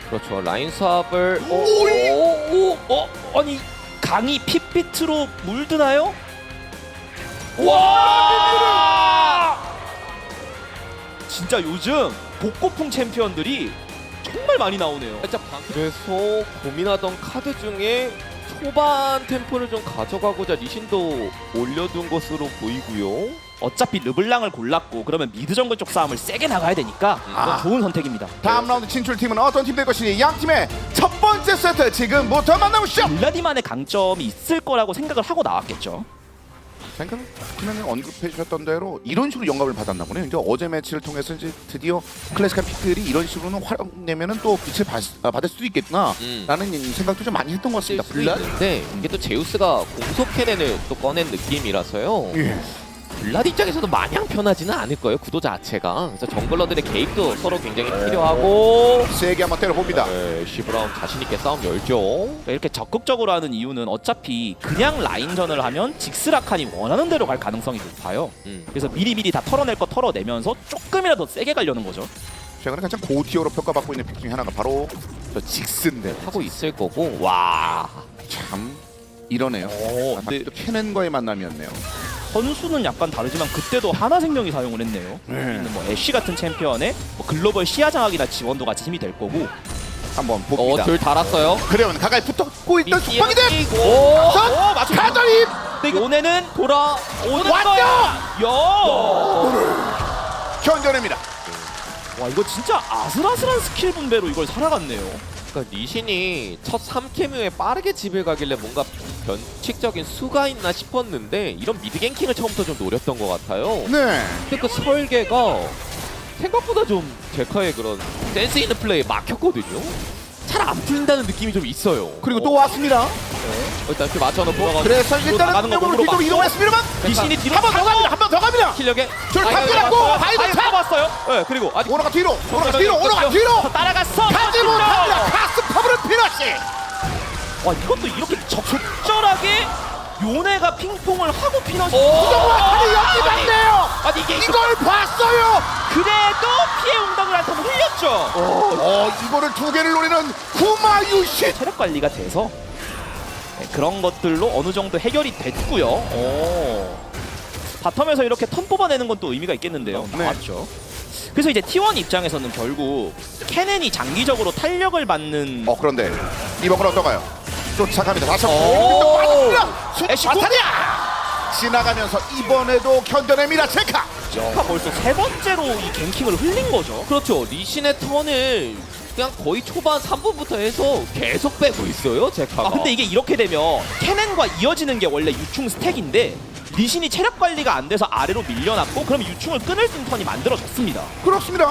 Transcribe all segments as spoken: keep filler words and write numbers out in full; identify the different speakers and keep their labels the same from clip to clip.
Speaker 1: 그렇죠. 라인 수압을 오,
Speaker 2: 오, 오, 어, 아니 강이 핏빛으로 물드나요? 와! 진짜 요즘 복고풍 챔피언들이 정말 많이 나오네요.
Speaker 1: 살짝 방... 그래서 고민하던 카드 중에 초반 템포를 좀 가져가고자 리신도 올려둔 것으로 보이고요.
Speaker 2: 어차피 르블랑을 골랐고 그러면 미드 정글 쪽 싸움을 세게 나가야 되니까 이건
Speaker 3: 아.
Speaker 2: 좋은 선택입니다.
Speaker 3: 다음 라운드 진출팀은 어떤 팀 될 것이니 양 팀의 첫 번째 세트 지금부터 만나보시죠.
Speaker 2: 블라디만의 강점이 있을 거라고 생각을 하고 나왔겠죠.
Speaker 3: 생각하면 언급해 주셨던 대로 이런 식으로 영감을 받았나 보네요. 이제 어제 매치를 통해서 이제 드디어 클래식한 픽들이 이런 식으로는 활용 내면은 또 빛을 받, 아, 받을 수도 있겠구나라는
Speaker 1: 음.
Speaker 3: 생각도 좀 많이 했던 것 같습니다.
Speaker 1: 쓸 수도 있는데 이게 또 제우스가 공속 캐넨을 또 꺼낸 느낌이라서요.
Speaker 3: 예.
Speaker 1: 블라디 입장에서도 마냥 편하지는 않을 거예요. 구도 자체가. 그래서 정글러들의 개입도 서로 굉장히 필요하고
Speaker 3: 세게 한번 때려봅니다.
Speaker 1: 네, 시브라운 자신 있게 싸움 열죠.
Speaker 2: 이렇게 적극적으로 하는 이유는 어차피 그냥 라인전을 하면 직스라칸이 원하는 대로 갈 가능성이 높아요.
Speaker 1: 음.
Speaker 2: 그래서 미리미리 다 털어낼 거 털어내면서 조금이라도 세게 가려는 거죠.
Speaker 3: 최근에 가장 고티어로 평가받고 있는 픽 중에 하나가 바로 저 직스인데
Speaker 1: 하고 있을 거고. 와.
Speaker 3: 참 이러네요.
Speaker 2: 오,
Speaker 3: 아,
Speaker 2: 근데
Speaker 3: 또 캐넨과의 만남이었네요.
Speaker 2: 선수는 약간 다르지만 그때도 하나생명이 사용을 했네요.
Speaker 3: 네.
Speaker 2: 있는 뭐 애쉬 같은 챔피언의 뭐 글로벌 시야 장악이나 지원도 같이 힘이 될 거고.
Speaker 3: 한번
Speaker 1: 어,
Speaker 3: 봅니다.
Speaker 1: 둘 달았어요.
Speaker 3: 그러면 가까이 붙었고 있던 숙박이들.
Speaker 1: 오.
Speaker 2: 오, 맞아.
Speaker 3: 가더입.
Speaker 2: 근데 요네는 돌아오는
Speaker 3: 왔죠!
Speaker 2: 거야. 야!
Speaker 3: 견뎌냅니다.
Speaker 2: 와 이거 진짜 아슬아슬한 스킬 분배로 이걸 살아갔네요.
Speaker 1: 그러니까 리신이 첫 삼 캠 후에 빠르게 집을 가길래 뭔가 변칙적인 수가 있나 싶었는데 이런 미드 갱킹을 처음부터 좀 노렸던 것 같아요.
Speaker 3: 네.
Speaker 1: 근데 그 설계가 생각보다 좀 제카의 그런 센스 있는 플레이에 막혔거든요. 잘 안 풀린다는 느낌이 좀 있어요.
Speaker 3: 그리고 또 왔습니다.
Speaker 1: 어, 일단 이렇게 맞춰놓고
Speaker 3: 그래서
Speaker 2: 나가는
Speaker 3: 일단은
Speaker 2: 거
Speaker 3: 몸으로
Speaker 2: 몸으로
Speaker 3: 뒤쪽으로
Speaker 2: 막-
Speaker 3: 이동했습니다만
Speaker 2: 리신이 뒤로
Speaker 3: 한 번 더 갑니다. 한 번 더 갑니다.
Speaker 1: 실력에
Speaker 3: 줄 탑들었고 바이브 탑.
Speaker 2: 잡았어요. 네, 그리고 아직
Speaker 3: 오너가 뒤로. 오너가 뒤로. 오너가 뒤로.
Speaker 2: 따라갔어.
Speaker 3: 가지 못합니다. 가스 퍼블은 피너시.
Speaker 2: 와 이것도 이렇게 적절하게 요네가 핑퐁을 하고 피너시.
Speaker 3: 정말 하늘 연기 같네요.
Speaker 2: 아니 이게
Speaker 3: 이걸 봤어요.
Speaker 2: 그래도 피해 응답을 한 턴 흘렸죠.
Speaker 3: 어, 이거를 두 개를 노리는 구마유신.
Speaker 2: 체력 관리가 돼서 네, 그런 것들로 어느 정도 해결이 됐고요. 오. 바텀에서 이렇게 턴 뽑아내는 건 또 의미가 있겠는데요.
Speaker 3: 네.
Speaker 2: 맞죠. 그래서 이제 티 원 입장에서는 결국 캐넨이 장기적으로 탄력을 받는
Speaker 3: 어 그런데 이번 건 어떤가요? 쫓아갑니다. 다시 한번
Speaker 2: 오.
Speaker 3: 빠집니다.
Speaker 2: 애쉬
Speaker 3: 바타리아 지나가면서 이번에도 견뎌냅니다. 체카.
Speaker 2: 제카 벌써 세 번째로 이 갱킹을 흘린 거죠.
Speaker 1: 그렇죠. 리신의 턴을 그냥 거의 초반 삼 분부터 해서 계속 빼고 있어요. 제카가.
Speaker 2: 아 근데 이게 이렇게 되면 캐넨과 이어지는 게 원래 유충 스택인데 리신이 체력 관리가 안 돼서 아래로 밀려났고 그럼 유충을 끊을 수 있는 턴이 만들어졌습니다.
Speaker 3: 그렇습니다.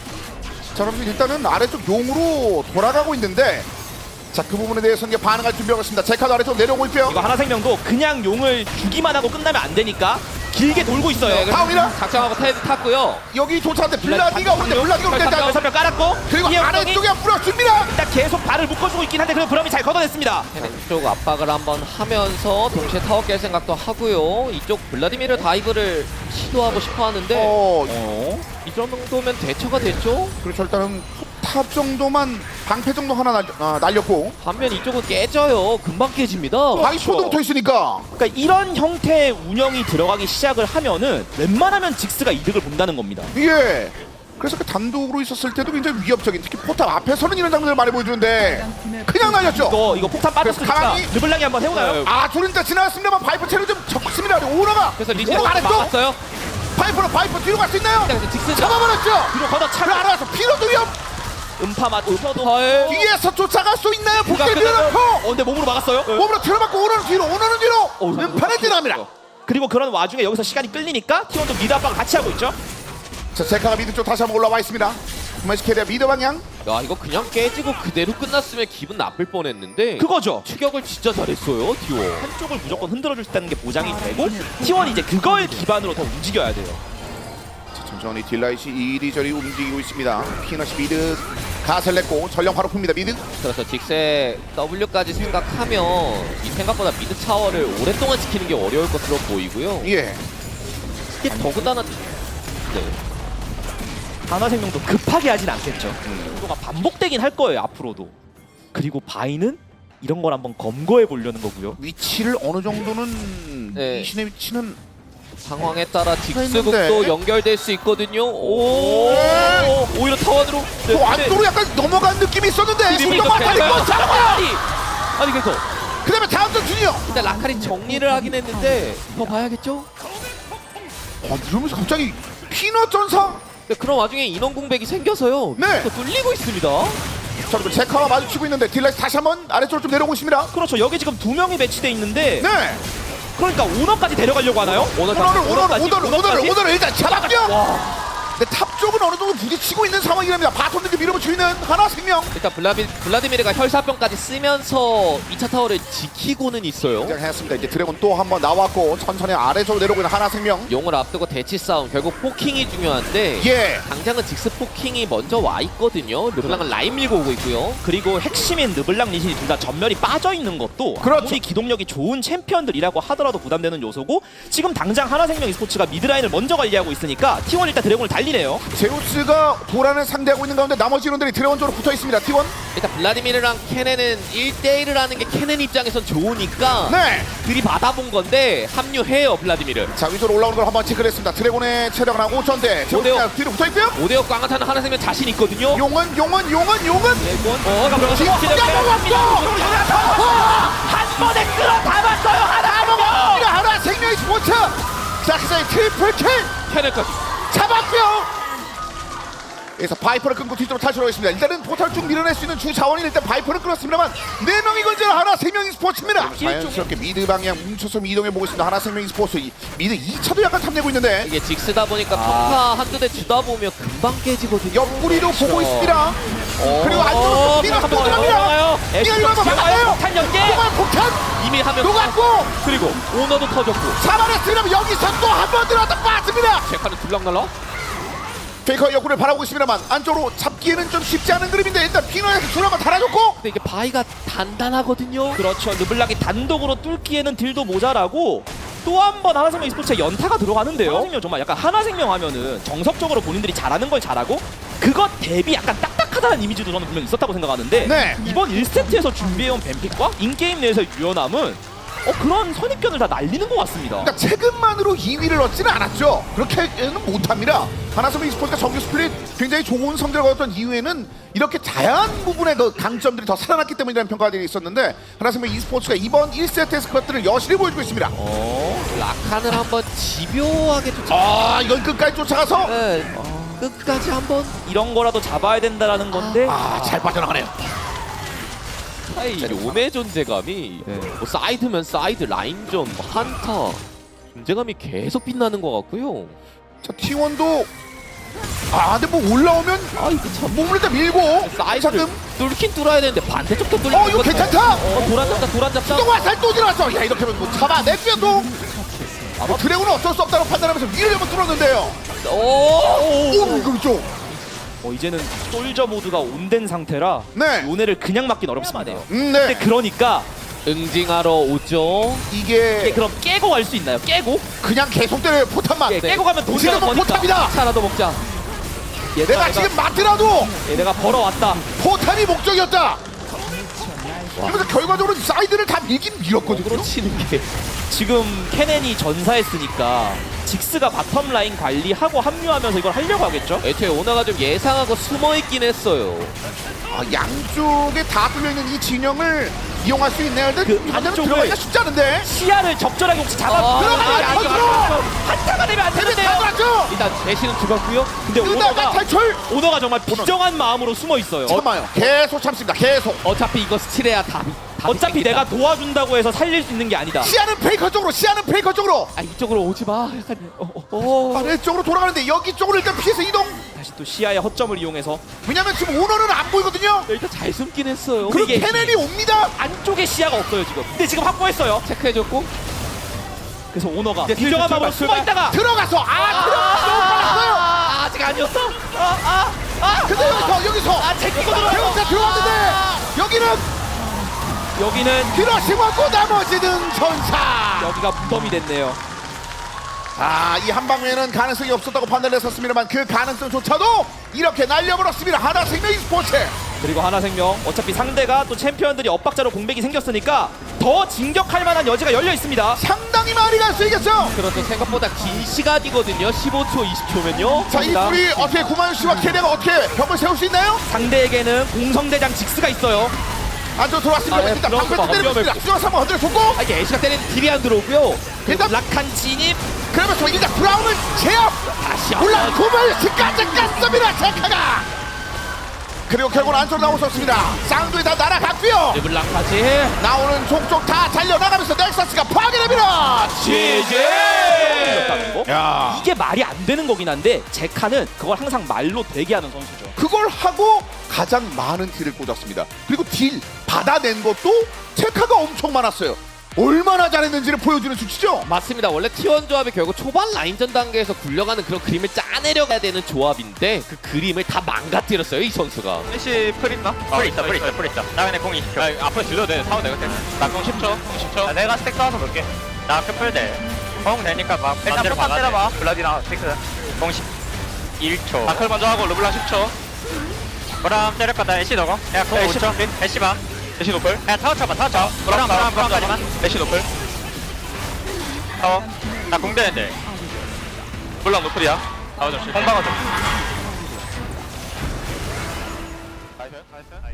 Speaker 3: 자 그럼 일단은 아래쪽 용으로 돌아가고 있는데 자 그 부분에 대해서 이제 반응할 준비하고 있습니다. 제카도 아래쪽 내려오고 있고요.
Speaker 2: 이거 하나생명도 그냥 용을 주기만 하고 끝나면 안 되니까 길게 돌고 있어요.
Speaker 1: 네,
Speaker 3: 다운이다.
Speaker 1: 작정하고 테드 탔고요.
Speaker 3: 여기 도착한데 블라디가 오는데 블라디가 오는데
Speaker 2: 여 선명 깔았고
Speaker 3: 그리고
Speaker 2: 이에
Speaker 3: 아래쪽에 뿌려줍니다.
Speaker 2: 일단 계속 발을 묶어주고 있긴 한데 그럼 브럼이 잘 걷어냈습니다.
Speaker 1: 쪽 압박을 한번 하면서 동시에 타워 깰 생각도 하고요. 이쪽 블라디미르 다이브를 시도하고 싶어 하는데
Speaker 3: 어
Speaker 2: 어?
Speaker 1: 이 정도면 대처가 됐죠.
Speaker 3: 그렇죠. 일단은 탑 정도만 방패 정도 하나 날, 아, 날렸고
Speaker 1: 반면 이쪽은 깨져요. 금방 깨집니다.
Speaker 3: 바이포도 붙어 있으니까
Speaker 2: 그러니까 이런 형태의 운영이 들어가기 시작을 하면은 웬만하면 직스가 이득을 본다는 겁니다.
Speaker 3: 예. 그래서 그 단독으로 있었을 때도 굉장히 위협적인 특히 포탑 앞에서는 이런 장면을 많이 보여주는데 그냥 날렸죠.
Speaker 2: 이거 이거 폭탄 빠졌으니까
Speaker 3: 가만히-
Speaker 2: 르블랑이 한번 해오나요?
Speaker 1: 네.
Speaker 3: 아 둘은 다 지나갔습니다만 바이퍼 체력 좀 적습니다. 오너가
Speaker 1: 그래서 리신
Speaker 3: 오너가 아래쪽
Speaker 1: 막았어요.
Speaker 3: 바이퍼로 바이퍼 뒤로 갈 수 있나요?
Speaker 1: 그래서 직스
Speaker 3: 잡아버렸죠.
Speaker 2: 뒤로 걷어
Speaker 3: 그
Speaker 2: 차고
Speaker 3: 알아서 피로도 위협
Speaker 2: 음파 맞춰도
Speaker 1: 헐.
Speaker 3: 뒤에서 쫓아갈 수 있나요? 복대
Speaker 1: 그가
Speaker 3: 밀어넣고
Speaker 2: 어 근데 몸으로 막았어요.
Speaker 3: 몸으로 틀어맞고 오너는 뒤로 오너는 뒤로 음판에 지납니다.
Speaker 2: 그리고 그런 와중에 여기서 시간이 끌리니까 티원도 미드 압박을 같이 하고 있죠.
Speaker 3: 자 제카가 미드 쪽 다시 한번 올라와 있습니다. 구마시케리아 미드 방향.
Speaker 1: 야 이거 그냥 깨지고 그대로 끝났으면 기분 나쁠 뻔했는데
Speaker 2: 그거죠.
Speaker 1: 추격을 진짜 잘했어요. 디오.
Speaker 2: 한쪽을 무조건 흔들어줄 수 있다는 게 보장이 되고 티원이 이제 그걸 기반으로 더 움직여야 돼요.
Speaker 3: 자, 천천히 딜라이시 이리저리 움직이고 있습니다. 피너시 미드 가슬 냈고 전령 바로 풉니다. 미드.
Speaker 1: 그래서 직세 W까지 생각하면 이 생각보다 미드 타워를 오랫동안 지키는 게 어려울 것으로 보이고요.
Speaker 3: 예.
Speaker 1: 이게 더군다나 네.
Speaker 2: 하나생명도 급하게 하진 않겠죠. 정도가 반복되긴 할 거예요 앞으로도. 그리고 바이는 이런 걸 한번 검거해 보려는 거고요.
Speaker 3: 위치를 어느 정도는
Speaker 1: 네.
Speaker 3: 이 신의 위치는
Speaker 1: 상황에 따라
Speaker 3: 있는데.
Speaker 1: 직수극도 연결될 수 있거든요. 오,
Speaker 3: 네.
Speaker 1: 오히려 타원으로. 네,
Speaker 3: 또 안쪽으로 약간 넘어간 느낌이 있었는데
Speaker 1: 그리고
Speaker 3: 손동만 다
Speaker 1: 그러니까
Speaker 3: 있고 잡아요.
Speaker 1: 아니, 아니 그래서
Speaker 3: 그다음에 다음 전 준이요.
Speaker 1: 일단 라카리 정리를 하긴 했는데 더 봐야겠죠?
Speaker 3: 어, 이러면서 갑자기 피넛 전사.
Speaker 1: 네, 그런 와중에 인원 공백이 생겨서요.
Speaker 3: 네.
Speaker 1: 또 뚫리고 있습니다.
Speaker 3: 자, 그리고 제카와 마주치고 있는데 딜라이스 다시 한번 아래쪽으로 좀 내려오고 있습니다.
Speaker 2: 그렇죠. 여기 지금 두 명이 배치돼 있는데
Speaker 3: 네.
Speaker 2: 그러니까 오너까지 데려가려고 하나요?
Speaker 1: 오늘
Speaker 3: 오너를 오너를
Speaker 1: 오너까지,
Speaker 3: 오너를 오너를
Speaker 1: 오너까지?
Speaker 3: 오너를 일단 잡았죠.
Speaker 1: 와.
Speaker 3: 근데 탑 쪽은 어느 정도 부딪히고 있는 상황이랍니다. 바텀들도 밀어붙이고 있는 하나생명.
Speaker 1: 일단 블라비, 블라디미르가 혈사병까지 쓰면서 이 차 타워를 지키고는 있어요.
Speaker 3: 했습니다. 이제 드래곤 또 한 번 나왔고 천천히 아래쪽으로 내려오고 있는 하나생명.
Speaker 1: 용을 앞두고 대치 싸움 결국 포킹이 중요한데
Speaker 3: 예.
Speaker 1: 당장은 직스 포킹이 먼저 와 있거든요. 르블랑은 라인 밀고 오고 있고요.
Speaker 2: 그리고 핵심인 르블랑 리신이 둘 다 전멸이 빠져 있는 것도
Speaker 3: 그렇죠.
Speaker 2: 아무리 기동력이 좋은 챔피언들이라고 하더라도 부담되는 요소고 지금 당장 하나생명 e스포츠가 미드라인을 먼저 관리하고 있으니까 티원 일단 드래곤을 달리네요.
Speaker 3: 제우스가 보라를 상대하고 있는 가운데 나머지 인원들이 드래곤 쪽으로 붙어 있습니다. 티원.
Speaker 1: 일단 블라디미르랑 케넨은 일 대일을 하는 게 케넨 입장에선 좋으니까
Speaker 3: 네.
Speaker 1: 들이받아본 건데 합류해요 블라디미르.
Speaker 3: 자, 위쪽으로 올라오는 걸 한번 체크를 했습니다. 드래곤의 체력은 한 오천 대. 제우스가 뒤로 붙어 있고요.
Speaker 1: 오대역 꽝한타는 하나생명 자신 있거든요.
Speaker 3: 용은 용은 용은 용은.
Speaker 1: 어, 그럼
Speaker 3: 지금 잡아왔고.
Speaker 2: 한 번에 끌어 담았어요 하나생명.
Speaker 3: 하나 생명의 스포츠. 자, 그사이 트리플 킬
Speaker 1: 케넨까지.
Speaker 3: 잡았고요. 그래서 바이퍼를 끊고 뒤쪽으로 탈출하고 있습니다. 일단은 포탈 쭉 밀어낼 수 있는 주 자원이 일단 바이퍼를 끊었습니다만 네 명이 건재는 하나 생명이 스포츠입니다. 자연스럽게 미드 방향 뭉쳐서 이동해 보고 있습니다. 하나 생명이 스포츠. 이, 미드 이 차도 약간 탐내고 있는데
Speaker 1: 이게 직스다 보니까
Speaker 2: 아.
Speaker 1: 평타 한두 대 주다 보면 금방 깨지거든요.
Speaker 3: 옆구리도 보고 있습니다.
Speaker 1: 어.
Speaker 3: 그리고 안쪽으로
Speaker 1: 어,
Speaker 3: 삐가
Speaker 1: 한번
Speaker 3: 들어갑니다.
Speaker 1: 넘어가요.
Speaker 3: 삐가 이거 한번 막아요.
Speaker 2: 폭탄 연계.
Speaker 3: 정말 폭탄
Speaker 1: 이미 하면
Speaker 3: 녹았고
Speaker 1: 그리고 오너도 터졌고
Speaker 3: 잡아냈으면 여기서 또 한 번 들어왔다 빠집니다.
Speaker 1: 제카는 둘락날라.
Speaker 3: 페이커 역군을 바라보고 있습니다만 안쪽으로 잡기에는 좀 쉽지 않은 그림인데 일단 피너에서 줄 한번 달아줬고
Speaker 1: 근데 이게 바위가 단단하거든요.
Speaker 2: 그렇죠. 르블랑이 단독으로 뚫기에는 딜도 모자라고 또 한 번 하나생명 e스포츠에 연타가 들어가는데요. 하나생명 정말 약간 하나생명 하면은 정석적으로 본인들이 잘하는 걸 잘하고 그것 대비 약간 딱딱하다는 이미지도 저는 분명 있었다고 생각하는데
Speaker 3: 네.
Speaker 2: 이번 일 세트에서 준비해온 뱀픽과 인게임 내에서의 유연함은 어, 그런 선입견을 다 날리는 것 같습니다.
Speaker 3: 그러니까 체급만으로 이 위를 얻지는 않았죠. 그렇게는 못합니다. 하나생명 e스포츠가 정규 스플릿 굉장히 좋은 성적을 얻었던 이후에는 이렇게 다양한 부분의 그 강점들이 더 살아났기 때문이라는 평가가 있었는데 하나생명 e스포츠가 이번 일 세트에서 그것들을 여실히 보여주고 있습니다.
Speaker 1: 어, 라칸을 한번 집요하게 쫓아.
Speaker 3: 아, 이건 끝까지 쫓아가서
Speaker 1: 네, 끝까지 한번.
Speaker 2: 이런 거라도 잡아야 된다라는 건데
Speaker 3: 아, 잘 빠져나가네요.
Speaker 1: 사이 요네 존재감이
Speaker 2: 네.
Speaker 1: 뭐 사이드면 사이드, 라인전, 뭐 한타 존재감이 계속 빛나는 것 같고요.
Speaker 3: 자, 티원도 아, 근데 뭐 올라오면
Speaker 1: 아 이게 참
Speaker 3: 몸을 일단 밀고
Speaker 1: 사이드를
Speaker 3: 잠금.
Speaker 1: 뚫긴 뚫어야 되는데 반대쪽도 뚫리는
Speaker 3: 어, 이거 괜찮다.
Speaker 1: 어, 도란 잡자, 도란 잡자.
Speaker 3: 또 화살 또 들어왔어. 야, 이렇게 하면 뭐 잡아냈고요 또. 뭐 드래곤은 어쩔 수 없다고 판단하면서 위를 한번 뚫었는데요.
Speaker 1: 오,
Speaker 3: 오, 이거 좀.
Speaker 2: 어, 이제는 솔저 모드가 온된 상태라
Speaker 3: 네.
Speaker 2: 요네를 그냥 막긴 어렵습니다.
Speaker 3: 음,
Speaker 2: 근데
Speaker 3: 네.
Speaker 2: 그러니까
Speaker 1: 응징하러 오죠.
Speaker 2: 이게
Speaker 3: 이게
Speaker 2: 그럼 깨고 갈 수 있나요? 깨고?
Speaker 3: 그냥 계속 때려요. 포탄만.
Speaker 2: 예, 깨고 가면 돈이
Speaker 3: 지금은
Speaker 2: 버니까
Speaker 3: 포탑이다.
Speaker 1: 차라도 먹자.
Speaker 3: 내가 지금 맞더라도
Speaker 2: 예, 내가 벌어왔다.
Speaker 3: 포탄이 목적이었다. 그래서 결과적으로 사이드를 다 밀긴 밀었거든요.
Speaker 1: 으로 치는 게
Speaker 2: 지금 케넨이 전사했으니까 직스가 바텀 라인 관리하고 합류하면서 이걸 하려고 하겠죠?
Speaker 1: 애초에 오너가 좀 예상하고 숨어있긴 했어요.
Speaker 3: 아, 양쪽에 다 뚫려있는 이 진영을 이용할 수 있네요. 근데
Speaker 2: 그
Speaker 3: 반대로
Speaker 2: 안쪽을-
Speaker 3: 들어가기가 쉽지 않은데.
Speaker 2: 시야를 적절하게 혹시 잡아
Speaker 1: 아,
Speaker 3: 들어가면
Speaker 1: 아,
Speaker 3: 터지고.
Speaker 2: 한타가 되면 안 되는데요.
Speaker 3: 들어갔죠.
Speaker 1: 일단 대신은 죽었고요.
Speaker 2: 근데
Speaker 3: 그다음에
Speaker 2: 오너가
Speaker 3: 탈출.
Speaker 2: 오너가 정말 비정한 마음으로 숨어 있어요.
Speaker 3: 참아요. 계속 참습니다. 계속.
Speaker 1: 어차피 이거 스틸해야 답이 답이
Speaker 2: 어차피
Speaker 1: 생긴다.
Speaker 2: 내가 도와준다고 해서 살릴 수 있는 게 아니다.
Speaker 3: 시야는 페이커 쪽으로. 시야는 페이커 쪽으로.
Speaker 1: 아 이쪽으로 오지 마. 약간 어, 어, 어.
Speaker 3: 아래쪽으로 돌아가는데 여기 쪽으로 일단 피해서 이동.
Speaker 2: 다시 또 시야의 허점을 이용해서
Speaker 3: 왜냐면 지금 오너는 안 보이거든요.
Speaker 1: 일단 잘 숨긴 했어요.
Speaker 3: 그리고
Speaker 2: 이게-
Speaker 3: 케넬이 옵니다.
Speaker 2: 안쪽에 시야가 없어요 지금. 근데 지금 확보했어요.
Speaker 1: 체크해줬고
Speaker 2: 그래서 오너가
Speaker 1: 이제
Speaker 2: 비정한
Speaker 1: 슬슬
Speaker 2: 마음으로
Speaker 1: 출발,
Speaker 2: 숨어 있다가
Speaker 3: 들어가서 아, 들어가서 너무 빨랐어요.
Speaker 1: 아, 아직 아니었어.
Speaker 2: 아아아 아,
Speaker 3: 근데 여기서 여기서
Speaker 2: 아, 제끼고 들어가요.
Speaker 3: 배우자 들어왔는데 여기는
Speaker 2: 여기는
Speaker 3: 히로시마고 나머지는 전사.
Speaker 2: 여기가 무덤이 됐네요.
Speaker 3: 아, 이 한방에는 가능성이 없었다고 판단을 했었습니다만 그 가능성조차도 이렇게 날려버렸습니다. 하나생명 e스포츠.
Speaker 2: 그리고 하나생명 어차피 상대가 또 챔피언들이 엇박자로 공백이 생겼으니까 더 진격할 만한 여지가 열려 있습니다.
Speaker 3: 상당히 많이 갈 수 있겠죠.
Speaker 1: 그렇죠. 생각보다 긴 시간이거든요. 십오 초, 이십 초면요.
Speaker 3: 자, 이 둘이 어떻게 구마윤 씨와 케네가 어떻게 벽을 세울 수 있나요?
Speaker 2: 상대에게는 공성대장 직스가 있어요.
Speaker 3: 안쪽 들어왔습니다.
Speaker 1: 아, 예,
Speaker 3: 일단
Speaker 1: 들어온
Speaker 3: 방패
Speaker 1: 거
Speaker 3: 때리겠습니다. 수정사 한번 건드려줬고
Speaker 1: 아, 이게 애쉬가 때리는 딜이 안 들어오고요.
Speaker 2: 그리고
Speaker 3: 일단
Speaker 2: 락한 진입.
Speaker 3: 그러면서 일단 브라운은 제압.
Speaker 1: 다시
Speaker 3: 올라
Speaker 1: 한번.
Speaker 3: 구마윤씨까지 깠습니다. 제카가. 그리고 결국은 안쪽으로 나오셨습니다. 쌍둥이 다 날아갔고요.
Speaker 1: 르블랑까지.
Speaker 3: 나오는 족족 다 달려나가면서 넥서스가 파괴됩니다.
Speaker 1: 지지.
Speaker 3: 야,
Speaker 2: 이게 말이 안 되는 거긴 한데 제카는 그걸 항상 말로 되게 하는 선수죠.
Speaker 3: 그걸 하고 가장 많은 딜을 꽂았습니다. 그리고 딜 받아낸 것도 체카가 엄청 많았어요. 얼마나 잘했는지를 보여주는 수치죠.
Speaker 1: 맞습니다. 원래 티원 조합이 결국 초반 라인전 단계에서 굴려가는 그런 그림을 짜내려가야 되는 조합인데 그 그림을 다 망가뜨렸어요, 이 선수가.
Speaker 4: 애쉬 풀 있나? 풀 있다 풀 있다 풀 있다 나 근데 공 이십 초 아, 앞으로 질러도 돼 사원 내가 나공 십 초 공 십 초 아, 내가 스택 쌓아서 볼게 나 풀 돼공 되니까 막 일단 풀만 때려봐 블라디나 스택스 공 십일 초 마클 먼저 하고 르블랑 십 초 그럼 때릴 거다 애쉬 너고 야공 오 초 애쉬 봐 애쉬 노플 야 타워 쳐봐 타워 쳐 그럼 그럼 그럼까지만 애쉬 노플 타워 나 공 되는데 블랑 노플이야 타워 좀 공 박아줘 나이스 나이스